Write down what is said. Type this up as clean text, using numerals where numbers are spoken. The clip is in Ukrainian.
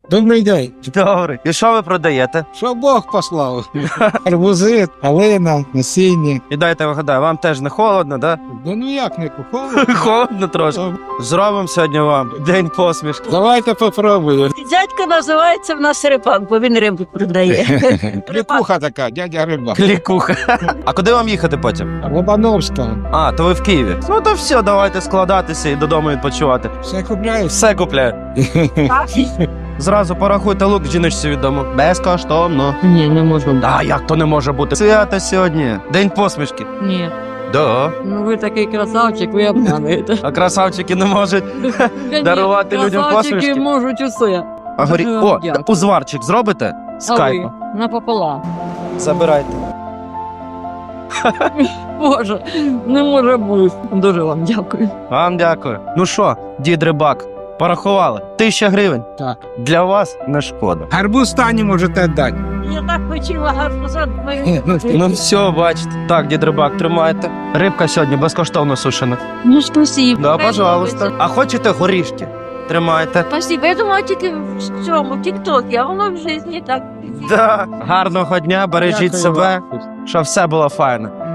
Добрий день. Добре. І що ви продаєте? Що Бог послав? Арбузи, калина, насіння. І дайте вгадаю, вам теж не холодно, да? Ну як не куховує? Холодно трошки. Зробимо сьогодні вам день посмішки. Давайте попробуємо. Дядько називається в нас Рибак, бо він рибу продає. Клікуха така, дядя Рибак. Клікуха. А куди вам їхати потім? Лобановська. А, то ви в Києві. Ну то все, давайте складатися і додому відпочивати. Все купляєш? Все купляю. Зразу порахуйте лук жіночці відомо. Безкоштовно. Ні, не можу. А як то не може бути? Свято сьогодні. День посмішки. Ні. Да. Ну ви такий красавчик, ви обмануєте. А красавчики не можуть дарувати людям посмішки. Красавчики можуть усе. А горі... Дуже О, дякую. узварчик зробите? З А ви? кайфом. Напополам. Забирайте. Боже, не може бути. Дуже вам дякую. Вам дякую. Ну що, дід Рибак, порахували? 1000 гривень. Так. Для вас не шкода. Арбуз Тані можете дати. Я так хотіла гарно Ну все, бачите. Так, дід Рибак, тримайте. Рибка сьогодні безкоштовно сушена. Ну, спасибо. Да, пожалуйста. А хочете горішки? Тримайте. Спасибо. Я думала тільки в цьому, в тіктокі, а воно в житті так. Да. Гарного дня, бережіть Дякую себе, вам. щоб все було файно.